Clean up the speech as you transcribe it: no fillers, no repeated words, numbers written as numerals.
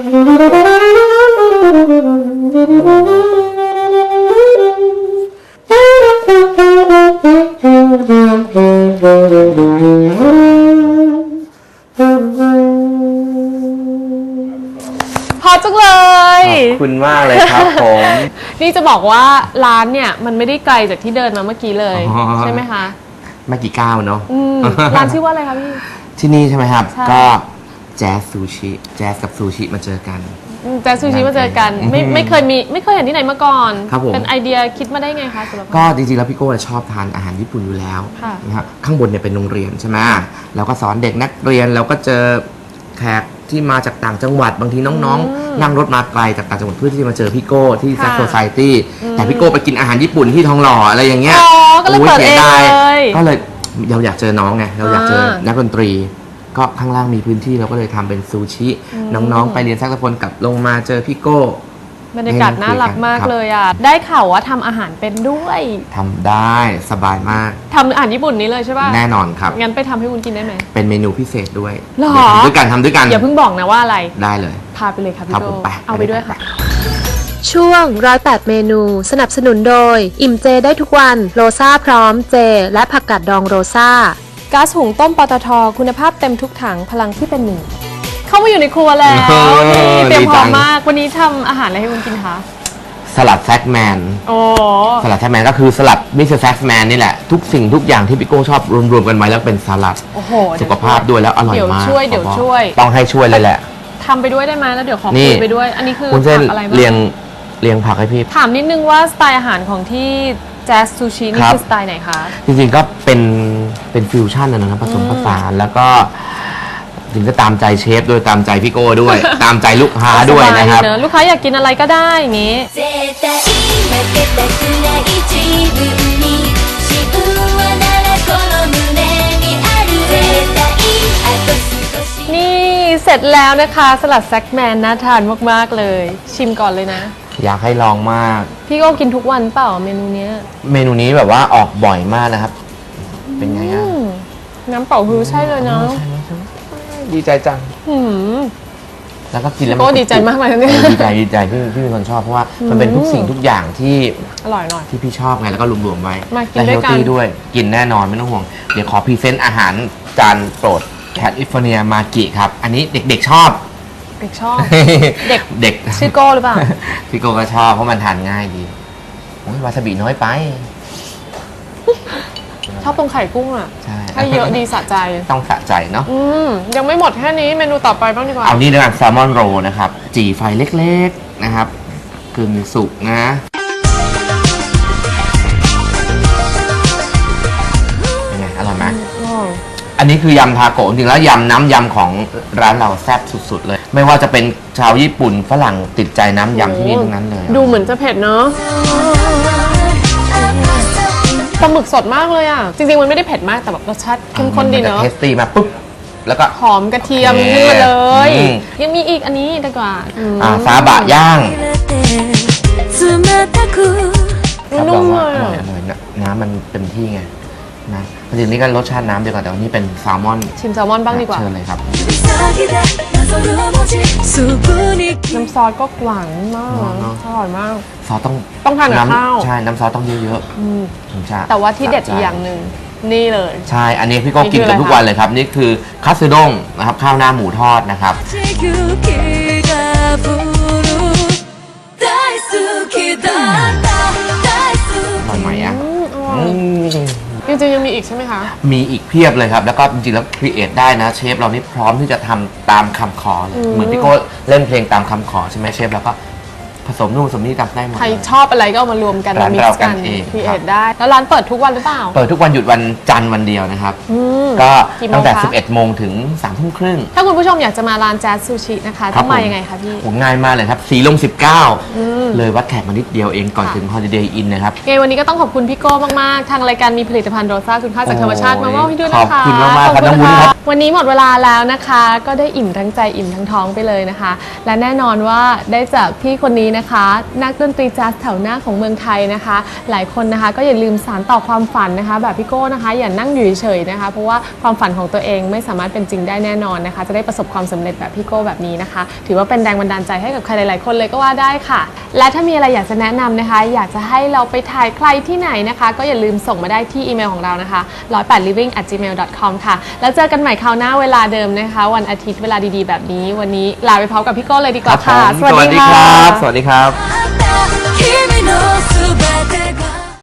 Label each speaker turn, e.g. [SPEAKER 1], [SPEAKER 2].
[SPEAKER 1] พอจังเลย
[SPEAKER 2] ขอบคุณมากเลยครับผม
[SPEAKER 1] นี่จะบอกว่าร้านเนี่ยมันไม่ได้ไกลจากที่เดินมาเมื่อกี้เลยใช่ไหมคะ
[SPEAKER 2] ไม่กี่ก้าวเนาะ
[SPEAKER 1] ร้านชื่อว่าอะไรคะพี่
[SPEAKER 2] ที่นี่ใช่ไหมครับก็แจ๊สซูชิแจ๊สกับซูชิมาเจอกัน
[SPEAKER 1] แจ๊สซูชิมาเจอกันไม่เคยเห็นที่ไหนมาก่อน
[SPEAKER 2] ครับผม
[SPEAKER 1] เป็นไอเดียคิดมาได้ไงคะสำหรับ
[SPEAKER 2] ก็จริงๆแล้วพี่โก้ชอบทานอาหารญี่ปุ่นอยู่แล้วนะครับข้างบนเนี่ยเป็นโรงเรียนใช่ไหมแล้วก็สอนเด็กนักเรียนแล้วก็เจอแขกที่มาจากต่างจังหวัดบางทีน้องๆนั่งรถมาไกลจากต่างจังหวัดเพื่อที่จะมาเจอพี่โก้ที่แซคโซไซตี้แต่พี่โก้ไปกินอาหารญี่ปุ่นที่ทองหล่ออะไรอย่างเงี้ย
[SPEAKER 1] ก็เลยเปิดเองเลย
[SPEAKER 2] ก็เลยเราอยากเจอน้องไงเราอยากเจอนักดนตรีก็ข้างล่างมีพื้นที่เราก็เลยทำเป็นซูชิน้องๆไปเรียนแซกโซโฟนกลับลงมาเจอพี่โก้
[SPEAKER 1] บรรยากาศน่ารักมากเลยอ่ะได้ข่าวว่าทำอาหารเป็นด้วย
[SPEAKER 2] ทำได้สบายมาก
[SPEAKER 1] ทำอาหารญี่ปุ่นนี้เลยใช่ป่ะ
[SPEAKER 2] แน่นอนครับ
[SPEAKER 1] งั้นไปทำให้คุณกินได้ไหม
[SPEAKER 2] เป็นเมนูพิเศษด้วย
[SPEAKER 1] หรอ
[SPEAKER 2] ทำด้วยกัน
[SPEAKER 1] อย่าเพิ่งบอกนะว่าอะไร
[SPEAKER 2] ได้เลย
[SPEAKER 1] พาไปเลยค่ะพี่โก้เอาไปด้วยค่ะ
[SPEAKER 3] ช่วง108เมนูสนับสนุนโดยอิ่มเจได้ทุกวันโรซ่าพร้อมเจและผักกาดดองโรซ่า
[SPEAKER 1] ก๊าซหุงต้มปตท.คุณภาพเต็มทุกถังพลังที่เป็นหนึ่งเข้ามาอยู่ในครัวแล้วเตรียมพร้อมมากวันนี้ทำอาหารอะไรให้คุณกินคะ
[SPEAKER 2] สลัดแซกแมนสลัดแซกแมนก็คือสลัดมิสเตอร์แซกแมนนี่แหละทุกสิ่งทุกอย่างที่พี่โก้ชอบรวมๆกันไว้แล้วเป็นสลัดสุขภาพด้วยแล้วอร่อยมาก
[SPEAKER 1] เดี๋ยวช่วย
[SPEAKER 2] ต้องให้ช่วยเลยแหละ
[SPEAKER 1] ทำไปด้วยได้ไหมแล้วเดี๋ยวขอคุยไปด้วยอันนี้คือ
[SPEAKER 2] ผักอะไรบ้างเรียงผักให้พี่
[SPEAKER 1] ถามนิดนึงว่าสไตล์อาหารของที่แจ๊สซูชินี่คือสไตล์ไหนคะ
[SPEAKER 2] จริงๆก็เป็นฟิวชั่นนะครับผสมผสานแล้วก็ถึงก็ตามใจเชฟด้วยตามใจพี่โก้ด้วย ตามใจลูกค้าด้วยนะครับ
[SPEAKER 1] ลูกค้าอยากกินอะไรก็ได้อย่างงี้นี่เสร็จแล้วนะคะสลัดแซกแมนน่าทานมากๆเลยชิมก่อนเลยนะ
[SPEAKER 2] อยากให้ลองมาก
[SPEAKER 1] พี่ก็กินทุกวันเปล่าเมนูนี้
[SPEAKER 2] แบบว่าออกบ่อยมากนะครับเป็นไงอ่ะ
[SPEAKER 1] น้ำเปล่าฮือใช่เลยเนาะ
[SPEAKER 2] ดีใจจังแล้วก็กินแล้ว
[SPEAKER 1] ก็ดีใจมากเลยเนี่ย
[SPEAKER 2] ดีใจพี่เป็นคนชอบเพราะว่ามันเป็นทุกสิ่งทุกอย่างที่
[SPEAKER 1] อร่อยหน่อย
[SPEAKER 2] ที่พี่ชอบไงแล้วก็รวมๆไว้
[SPEAKER 1] และเฮลตี้
[SPEAKER 2] ด้วยกินแน่นอนไม่ต้องห่วงเดี๋ยวขอพรีเซนต์อาหารจานโปรดแคลิฟอร์เนียมากิครับอันนี้เด็กๆชอบ
[SPEAKER 1] เด็กชื่อโก้หรือเปล่า
[SPEAKER 2] พี่โก้ก็ชอบเพราะมันทานง่ายดีวาซาบิน้อยไป
[SPEAKER 1] ชอบตรงไข่กุ้งอ่ะให้เยอะดีสะใจ
[SPEAKER 2] ต้องสะใจเนาะ
[SPEAKER 1] ยังไม่หมดแค่นี้เมนูต่อไปบ้างดีกว่า
[SPEAKER 2] เอานี่ด้วยกันแซลมอนโรนะครับจี่ไฟเล็กๆนะครับกึ่งสุกนะยังไงอร่อยไหมอันนี้คือยำทาโกะจริงๆแล้วยำน้ำยำของร้านเราแซ่บสุดๆเลยไม่ว่าจะเป็นชาวญี่ปุ่นฝรั่งติดใจน้ำยำที่นี่ทั้งนั้นเลย
[SPEAKER 1] ดูเหมือนจะเผ็ดเนาะปลาหมึกสดมากเลยอ่ะจริงๆมันไม่ได้เผ็ดมากแต่แบบรสชาติเข้มข้นดีเนาะ
[SPEAKER 2] เทสตี้มาปุ๊บแล้วก็
[SPEAKER 1] หอมกระเทียมขึ้นมาเลยยังมีอีกอันนี้ดีกว่า
[SPEAKER 2] ซาบะย่าง
[SPEAKER 1] นุ่มเลย
[SPEAKER 2] น้ำมันเต็มที่ไงนะจริงๆนี่ก็รสชาติน้ำเดียวกันแต่วันนี้เป็นแซลมอน
[SPEAKER 1] ชิมแซลมอนบ้างดีกว่า
[SPEAKER 2] เชิญเลยครับ
[SPEAKER 1] น้ำซอสก็หวานมากอร่อยมาก
[SPEAKER 2] ซอส
[SPEAKER 1] ต้องทานกับข้าว
[SPEAKER 2] ใช่น้ำซอสต้องเยอะๆ
[SPEAKER 1] แต่ว่าที่เด็ดอีกอย่างหนึ่งนี่เลย
[SPEAKER 2] ใช่อันนี้พี่ก็กินกันทุกวันเลยครับนี่คือคัตสึด้งนะครับข้าวหน้าหมูทอดนะครับอร่อยไหมอ่ะ
[SPEAKER 1] จริงๆยังมีอีกใช่ไหมคะ
[SPEAKER 2] มีอีกเพียบเลยครับแล้วก็จริงๆแล้วครีเอทได้นะเชฟเรานี่พร้อมที่จะทำตามคำขอเลยเหมือนพี่โก้เล่นเพลงตามคำขอใช่ไหมเชฟแล้วก็ผสมนู่นผสมนี่ทำได้หมด
[SPEAKER 1] ใครชอบอะไรก็เอามารวมกันมิกซ์กันครีเอทได้แล้วร้านเปิดทุกวันหรือเปล่า
[SPEAKER 2] เปิดทุกวันหยุดวันจันทร์วันเดียวนะครับก็ตั้งแต่11 โมงถึง3 ทุ่มครึ่ง
[SPEAKER 1] ถ้าคุณผู้ชมอยากจะมาร้านแจ๊สซูชินะคะต้องมายังไงคะพี่
[SPEAKER 2] ง่ายมากเลยครับสีลม19เลยวัดแขกมานิดเดียวเองก่อนถึง Holiday Inn นะครับ
[SPEAKER 1] วันนี้ก็ต้องขอบคุณพี่โก้มากๆทางรายการมีผลิตภัณฑ์โรซ่าคุณค่าจากธรรมชาติมามอบให้ด้วยนะคะ
[SPEAKER 2] ขอบคุณมากๆครับน้องวุ้นครับ
[SPEAKER 1] วันนี้หมดเวลาแล้วนะคะก็ได้อิ่มทั้งใจอิ่มทั้งท้องไปเลยนะคะและแน่นอนว่าได้จากพี่คนนี้นะคะ นักดนตรีแจ๊สแถวหน้าของเมืองไทยนะคะ หลายคนนะคะก็อย่าลืมสานต่อความฝันนะคะแบบพี่โก้นะคะอย่านั่งอยู่เฉยๆนะคะเพราะว่าความฝันของตัวเองไม่สามารถเป็นจริงได้แน่นอนนะคะจะได้ประสบความสำเร็จแบบพี่โก้แบบนี้นะคะถือว่าเป็นแรงบันดาลใจให้กับใครหลายๆคนเลยก็ว่าได้ค่ะและถ้ามีอะไรอยากจะแนะนำนะคะอยากจะให้เราไปถ่ายใครที่ไหนนะคะก็อย่าลืมส่งมาได้ที่อีเมลของเรานะคะ108living@gmail.com ค่ะแล้วเจอกันใหม่คราวหน้าเวลาเดิมนะคะวันอาทิตย์เวลาดีๆแบบนี้วันนี้ลาไปพร้อมกับพี่โก้เลยดีกว่าค่ะ
[SPEAKER 2] สวัสดีครับสวัสดีครับ